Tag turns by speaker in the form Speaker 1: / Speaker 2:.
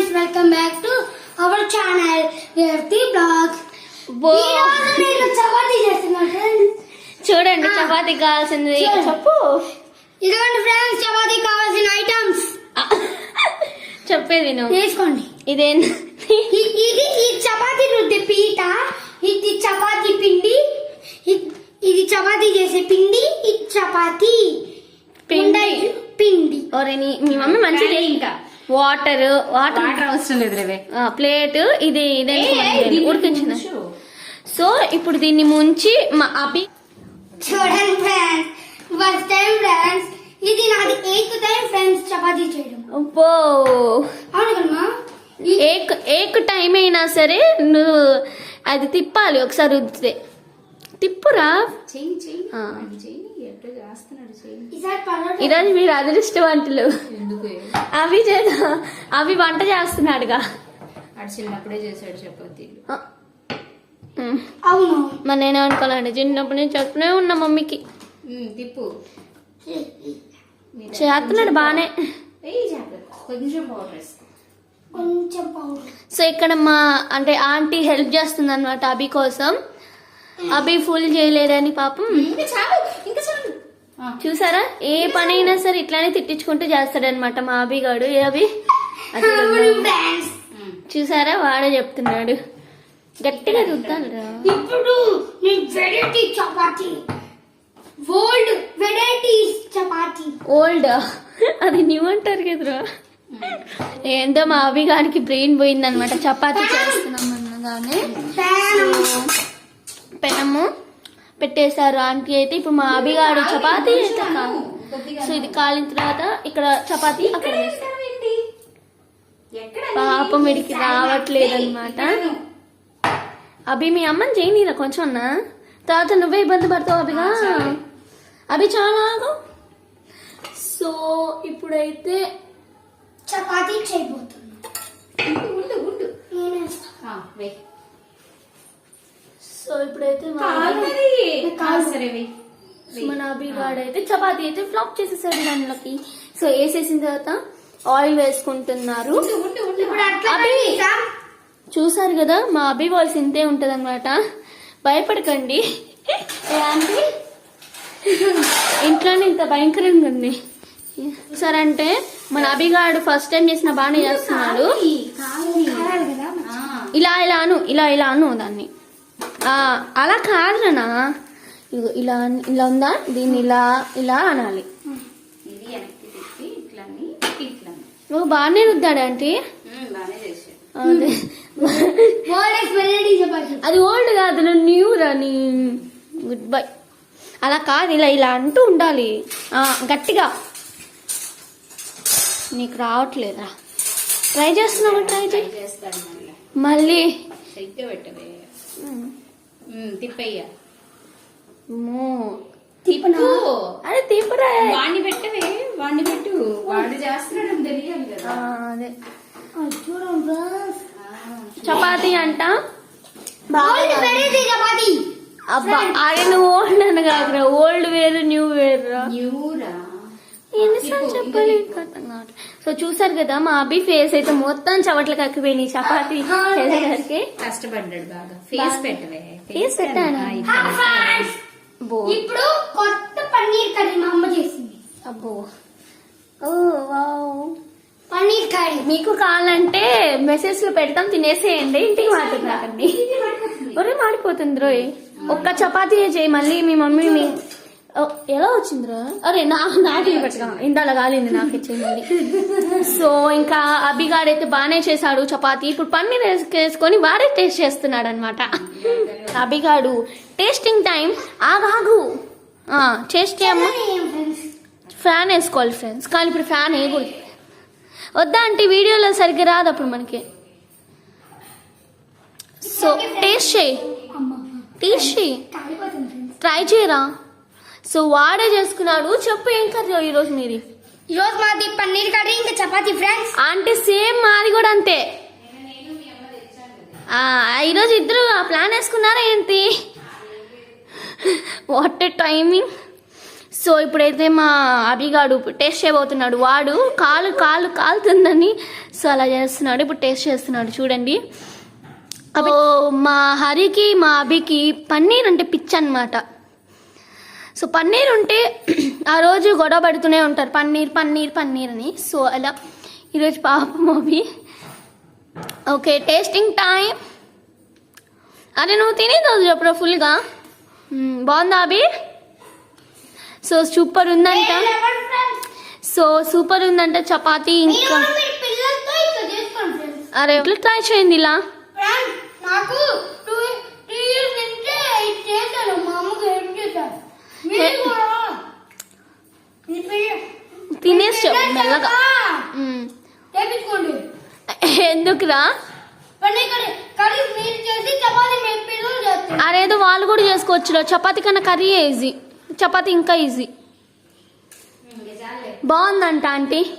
Speaker 1: friends, welcome back to our channel Revati Vlog. నేను చపాతీ చేస్తున్నాను friends.
Speaker 2: చూడండి చపాతీ కావాల్సింది చెప్పు.
Speaker 1: ఇదిగోండి ఫ్రెండ్స్ చపాతీ కావాల్సిన ఐటమ్స్
Speaker 2: చెప్పేది నువ్వు
Speaker 1: వేసుకోండి.
Speaker 2: ఇదేంటి?
Speaker 1: ఇది చపాతీ రుద్దే పీట, ఇది చపాతీ పిండి, ఇది చపాతీ చేసే పిండి, ఇది చపాతీ పిండి.
Speaker 2: ఒరే మీ మమ్మీ మంచిది. ఇంకా వాటర్
Speaker 3: అవసరం లేదు రేవే.
Speaker 2: ప్లేట్ ఇది ఉడికించిన. సో ఇప్పుడు దీన్ని ముంచి మా అభి
Speaker 1: చూడండి ఫ్రెండ్స్, ఫస్ట్ టైం ఫ్రెండ్స్, ఇది నాది 8th టైం ఫ్రెండ్స్ చపాతీ చేయడం.
Speaker 2: అబ్బో,
Speaker 1: అవును కదమ్మా,
Speaker 2: ఏక్ టైం అయినా సరే నువ్వు అది తిప్పాలి. ఒకసారి రుద్దితే తిప్పురా. ఈరోజు మీరు అదృష్టవంతులు. అవి వంట చేస్తున్నాడుగా.
Speaker 3: చిన్నప్పుడే చేశాడు చపాతీ.
Speaker 1: అవును
Speaker 2: మరి నేను అనుకోవాలండి, చిన్నప్పుడు నేను చెప్తూనే ఉన్నా మమ్మీకి.
Speaker 3: తిప్పు
Speaker 2: చేస్తున్నాడు బానే.
Speaker 3: కొంచెం పౌడర్.
Speaker 2: సో ఇక్కడ మా అంటే ఆంటీ హెల్ప్ చేస్తుంది అనమాట అభి కోసం. అభి ఫుల్ చేయలేదని పాపం. చూసారా, ఏ పని అయినా సరే ఇట్లానే తిట్టించుకుంటూ చేస్తాడనమాట మా అభి గాడు. ఏ అభి చూసారా, వాడే చెప్తున్నాడు గట్టిగా రుద్దాలిరా.
Speaker 1: ఇప్పుడు variety chapati, old varieties chapati.
Speaker 2: Old అది న్యూ అంటారు కదరా. ఏందో మా అభి గారికి బ్రెయిన్ పోయిందనమాట. చపాతీ చేస్తున్నాం అనగానే పెనము పెట్టేశారు ఆంటీ అయితే. ఇప్పుడు మా అభి గారు చపాతీ చేస్తాను. సో ఇది కాలిన తర్వాత ఇక్కడ చపాతీ అక్కడ పాపం వీడికి రావట్లేదు అనమాట. అభి మీ అమ్మని చేయనీరా కొంచెం అన్నా, తర్వాత నువ్వే ఇబ్బంది పడతావు అభిగా. అభి చాలా. సో ఇప్పుడైతే
Speaker 1: చపాతీ చేయబోతున్నా.
Speaker 2: సో ఇప్పుడైతే మన అభి గాడైతే చపాతీ అయితే ఫ్లాప్ చేసేసాడు దానిలోకి. సో వేసేసిన తర్వాత ఆయిల్ వేసుకుంటున్నారు. చూసారు కదా, మా అభి వాయిస్ ఇంతే ఉంటది అనమాట. భయపడకండి, ఇంట్లోనే ఇంత భయంకరంగా ఉంది. చూసారంటే మన అభిగాడు ఫస్ట్ టైం చేసిన బాగానే చేస్తున్నాడు. ఇలా అను దాన్ని. అలా కాదునా, ఇలా ఇలా ఉందా, దీన్ని ఇలా అనాలి. నువ్వు బాగానే రుద్దాడు ఆంటీ. అది ఓల్డ్ కాదు, న్యూ రాని. Good bye. అలా కాదు, ఇలా అంటూ ఉండాలి గట్టిగా. నీకు రావట్లేదా? ట్రై చేస్తున్నావు, ట్రై చేస్తాడు మళ్ళీ.
Speaker 3: తిప్పయ్యా
Speaker 2: అదే తిప్పరా.
Speaker 3: వాడిని పెట్టవే, వాడిని పెట్టు. వాడు చేస్తున్నాడు తెలియాలి కదా.
Speaker 2: అదే చపాతీ అంట. అబ్బా అరే నువ్వు ఓల్డ్ అని కాదురా, ఓల్డ్ వేరు న్యూ వేరురా. ఎన్నిసార్లు చెప్పాలి. సో చూసారు కదా, మా అభి ఫేస్ అయితే మొత్తం చవట్లు కక్కిపోయినాయి చపాతీ చేసేసరికి.
Speaker 3: కష్టపడ్డాడు బాగా. ఫేస్ పెట్టవే.
Speaker 2: ఫేస్ పెట్టాను.
Speaker 1: ఇప్పుడు కొత్త పన్నీర్ కర్రీ మా అమ్మ చేసింది.
Speaker 2: అబ్బో, ఓ వావ్.
Speaker 1: పన్నీర్ కర్రీ
Speaker 2: మీకు కావాలంటే మెసేజ్ లో పెడతాం, తినేసేయండి. ఇంటికి మాట్లాడకండి. ఒరే మాడిపోతుంది రోయ్. ఒక్క చపాతీ చేయి, మళ్ళీ మీ మమ్మీ ఎలా వచ్చిందిరా. అరే నాకు పెట్టగా ఇందాల కాలింది, నాకు ఇచ్చేయండి. సో ఇంకా అభిగాడైతే బాగానే చేశాడు చపాతీ. ఇప్పుడు పన్నీర్ వేసుకొని వాడే టేస్ట్ చేస్తున్నాడు అనమాట. అభిగాడు టేస్టింగ్ టైం. ఆగాగు టేస్ట్ చేయమ్మా. ఫ్యాన్ వేసుకోవాలి ఫ్రెండ్స్, కానీ ఇప్పుడు ఫ్యాన్ వేయకూడదు. వద్దా అంటే వీడియోలో సరిగ్గా రాదు అప్పుడు మనకి. సో టేస్ట్ చేయి, ట్రై చేయరా. సో వాడే చేసుకున్నాడు. చెప్పు ఏం కర్రీ ఈరోజు మీది?
Speaker 1: ఈరోజు మాది పన్నీర్ కర్రీ, ఇంకా చపాతీ ఫ్రెండ్స్.
Speaker 2: అంటే సేమ్ మాది కూడా అంతే. ఈరోజు ఇద్దరు ప్లాన్ వేసుకున్నారా ఏంటి? What timing. సో ఇప్పుడైతే మా అభిగాడు టేస్ట్ చేయబోతున్నాడు. వాడు కాలు కాలుతుందని సో అలా చేస్తున్నాడు. ఇప్పుడు టేస్ట్ చేస్తున్నాడు చూడండి. సో మా హరికి మా అభికి పన్నీర్ అంటే పిచ్చి అనమాట. సో పన్నీర్ ఉంటే ఆ రోజు గొడవ పడుతూనే ఉంటారు, పన్నీర్ పన్నీర్ పన్నీర్ అని. సో అలా ఈరోజు పాపం అభి. Okay, tasting time. అరే నువ్వు తినేది చెప్పరా ఫుల్గా. బాగుందా అభి? సో సూపర్ ఉందంట. సో సూపర్ ఉందంట చపాతీ. ఇంకా
Speaker 1: పిల్లలతో ఇట్లా చేసుకోండి ఫ్రెండ్స్.
Speaker 2: అరే ఎట్లా ట్రై చేయండి ఇలా.
Speaker 1: ఫ్రెండ్స్ నాకు 2 years నుంచే ఇది చేశాను, మా అమ్మకి హెల్ప్ చేశాను. మీరు కూడా
Speaker 2: తినేసి చెప్పు మెల్లగా.
Speaker 1: చేపించుకోండి.
Speaker 2: ఎందుకురా?
Speaker 1: పన్నీర్ కర్రీ మీరు చేసి చపాతీ మేము పిల్లలు చేస్తాం.
Speaker 2: అరేదో వాళ్ళు కూడా చేసుకోవచ్చురా. చపాతీ కన్నా కర్రీ ఈజీ, చపాతీ ఇంకా ఈజీ. బాగుందంట ఆంటీ.